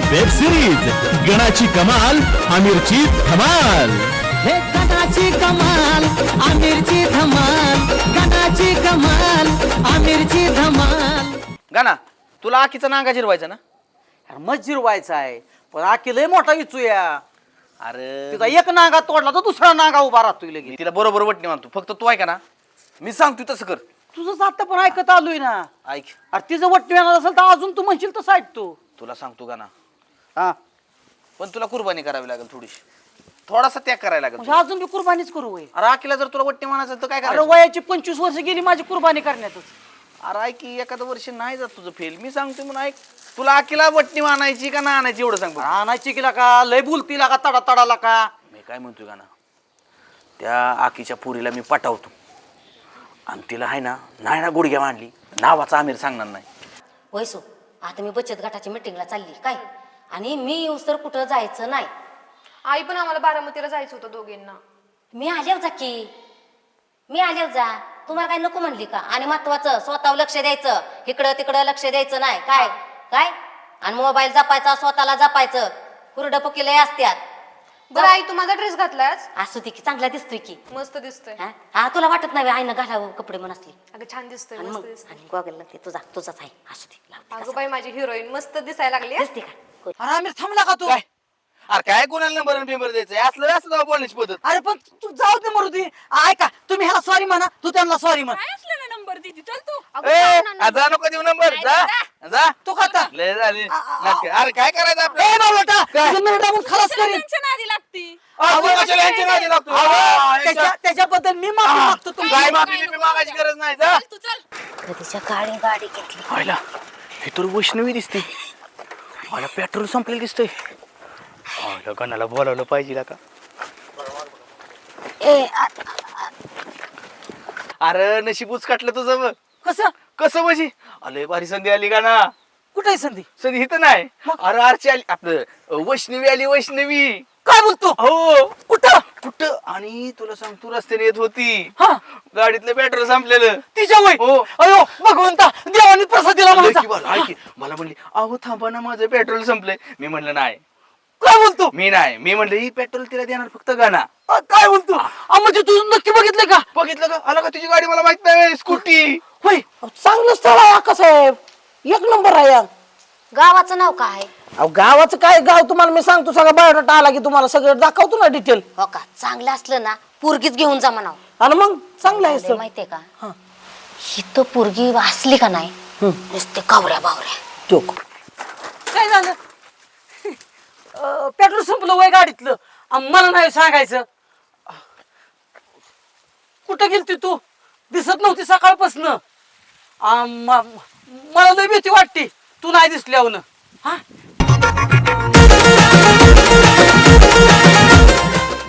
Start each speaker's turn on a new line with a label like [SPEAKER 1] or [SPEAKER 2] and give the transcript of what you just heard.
[SPEAKER 1] Web series गणाची कमाल आमिरची धमाल।
[SPEAKER 2] हे गणाची कमाल आमिरची धमाल, गणाची कमाल आमिरची धमाल।
[SPEAKER 3] गाना तुला आखीचा नांगा जिरवायचा ना?
[SPEAKER 4] अरे मग जिरवायचा आहे पण आखी लय मोठा इचूया।
[SPEAKER 3] अरे
[SPEAKER 4] तिचा एक नांगा तोडला तर दुसरा नांगा उभा राहतोय लगेच।
[SPEAKER 3] तिला बरोबर वटणी मानतो, फक्त तू ऐका ना, मी सांगतो तसं कर।
[SPEAKER 4] तुझं जात पण ऐकत आलोय ना।
[SPEAKER 3] ऐक,
[SPEAKER 4] अरे तिचं वट्टी येणार असेल तर अजून तू म्हणशील तसं ऐकतो।
[SPEAKER 3] तुला सांगतो गाना,
[SPEAKER 4] हा
[SPEAKER 3] पण तुला कुर्बानी करावी लागेल थोडीशी, थोडासा त्याग करायला लागेल
[SPEAKER 4] म्हणजे
[SPEAKER 3] तुला.
[SPEAKER 4] अजून बी कुर्बानीच करू वय।
[SPEAKER 3] अरे आखीला जर तुला वट्णी मानायचं तर काय
[SPEAKER 4] अरे
[SPEAKER 3] करायचं?
[SPEAKER 4] वयाची 25 वर्ष गेली माझी कुर्बानी करण्यातच।
[SPEAKER 3] अरे ऐक की, एखादं वर्ष नाही जात तुझं फेल, मी सांगतो म्हणून ऐक। तुला आखीला वट्णी मानायची का ना आणायची एवढं सांग बघ.
[SPEAKER 4] आणायची गेला का लय बोलतीला का तडा तडाला का?
[SPEAKER 3] मी काय म्हणतोय गाना, त्या आखीच्या पुरीला मी पटावतो आणि तिला आहे ना, नाही ना गुडघ्या मांडली नावाचा आमिर सांगणार नाही।
[SPEAKER 5] वैसू आता मी बचत गटाची मीटिंगला चालली काय, आणि मी येऊस तर कुठं जायचं नाही।
[SPEAKER 6] आई पण आम्हाला बारामतीला जायचं होतं दोघींना।
[SPEAKER 5] मी आल्यावर जा की, मी आल्यावर जा, तुम्हाला काय नको म्हणली का? आणि महत्वाचं स्वतःवर लक्ष द्यायचं, इकडं तिकडं लक्ष द्यायचं नाही काय काय, आणि मोबाईल जपायचा, स्वतःला जपायचं, हुरडं पकेले असत्यात।
[SPEAKER 6] बरं आई, तू माझा ड्रेस घातलास?
[SPEAKER 5] असू दे की, चांगला दिसतोय की।
[SPEAKER 6] मस्त दिसतोय।
[SPEAKER 5] हा हा, तुला वाटत नाही आईनं घालावं कपडे म्हणून असले?
[SPEAKER 6] अगं छान दिसतोय,
[SPEAKER 5] आणि
[SPEAKER 6] मस्त
[SPEAKER 5] मग
[SPEAKER 6] दिसतोय।
[SPEAKER 5] आणि गॉगल लागते तुझा, तुझाच आहे, असू दे लावते
[SPEAKER 6] अगं
[SPEAKER 5] कसं.
[SPEAKER 6] बाई माझी हिरोईन मस्त दिसायला लागली हं?
[SPEAKER 5] दिसते का?
[SPEAKER 4] अरे आम्ही थांबला का तू?
[SPEAKER 3] काय अरे काय कोणाला नंबर पेपर द्यायचा असलं असं जाऊ बोलण्याची पद्धत?
[SPEAKER 4] अरे पण तू जाऊ दे मरू दे। ऐका तुम्ही ह्याला सॉरी म्हणा, तू त्यांना सॉरी म्हण।
[SPEAKER 6] अगं,
[SPEAKER 3] ए,
[SPEAKER 6] छान ना.
[SPEAKER 3] जा नको देऊ नंबर, जा जा
[SPEAKER 4] तू खाता
[SPEAKER 3] लय झाली नाटकं. अरे काय करायचं
[SPEAKER 4] ए
[SPEAKER 3] आपलं?
[SPEAKER 4] बाबा
[SPEAKER 3] काय?
[SPEAKER 4] खलास करीन।
[SPEAKER 3] अहो, तू कशाला यांच्या नादी लागतो?
[SPEAKER 4] त्याच्याबद्दल मी माफी मागतो
[SPEAKER 3] काय
[SPEAKER 4] तुम्हाला।
[SPEAKER 3] माफी बिफी मागायची गरज नाही, जा.
[SPEAKER 5] कधीच्या काळी गाडी घेतली।
[SPEAKER 3] पाहिला हे तर वैष्णवी दिसते, मला पेट्रोल संपलेलं दिसतंय। गणाला बोलावलं पाहिजे का? अरे नशीबच काटलं तुझं बघ।
[SPEAKER 4] कसं
[SPEAKER 3] कसं म्हणजे? अरे भारी संधी आली का ना?
[SPEAKER 4] कुठे संधी?
[SPEAKER 3] संधी इथं नाही, अरे आरची आली, आपलं वैष्णवी आली, वैष्णवी।
[SPEAKER 4] काय बोलतो?
[SPEAKER 3] हो
[SPEAKER 4] कुठं
[SPEAKER 3] कुठं? आणि तुला सांगतो रस्त्याने येत होती,
[SPEAKER 4] हा
[SPEAKER 3] गाडीतलं पेट्रोल संपलेलं।
[SPEAKER 4] तिच्या वय
[SPEAKER 3] हो.
[SPEAKER 4] अयो भगवंता, देवाने प्रसाद दिला
[SPEAKER 3] लय
[SPEAKER 4] मला।
[SPEAKER 3] की बरं, ऐक की, मला म्हणली अहो थांबा ना माझं पेट्रोल संपलंय। मी म्हणलं नाही,
[SPEAKER 4] काय बोलतो?
[SPEAKER 3] मी नाही, मी म्हणलं ही पेट्रोल तिला देणार फक्त गाणा।
[SPEAKER 4] काय बोलतो? म्हणजे तू नक्की बघितलं का?
[SPEAKER 3] बघितलं का? आला का तुझी गाडी? मला माहित नाही, स्कूटी।
[SPEAKER 4] होय चांगलं स्थळ आहे साहेब, एक नंबर आहे यार।
[SPEAKER 5] गावाचं नाव काय आहे?
[SPEAKER 4] अहो गावाचं काय गाव तुम्हाला मी सांगतो, सगळा बायोडाटा आला की तुम्हाला सगळं दाखवतो ना डिटेल।
[SPEAKER 5] हो का, चांगलं असलं ना पोरगीच घेऊन जा म्हणाव।
[SPEAKER 4] आणि मग चांगलं आहे सर।
[SPEAKER 5] माहितीये का, ही तो पोरगी असली का नाही नुसते कावऱ्या बावऱ्या।
[SPEAKER 4] तो काय झालं? पेट्रोल संपलं वय गाडीतलं, मला नाही सांगायचं। कुठं गेलती तू? दिसत नव्हती सकाळपासून। मला लय भीती वाटते तू नाही दिसल्यावर। हा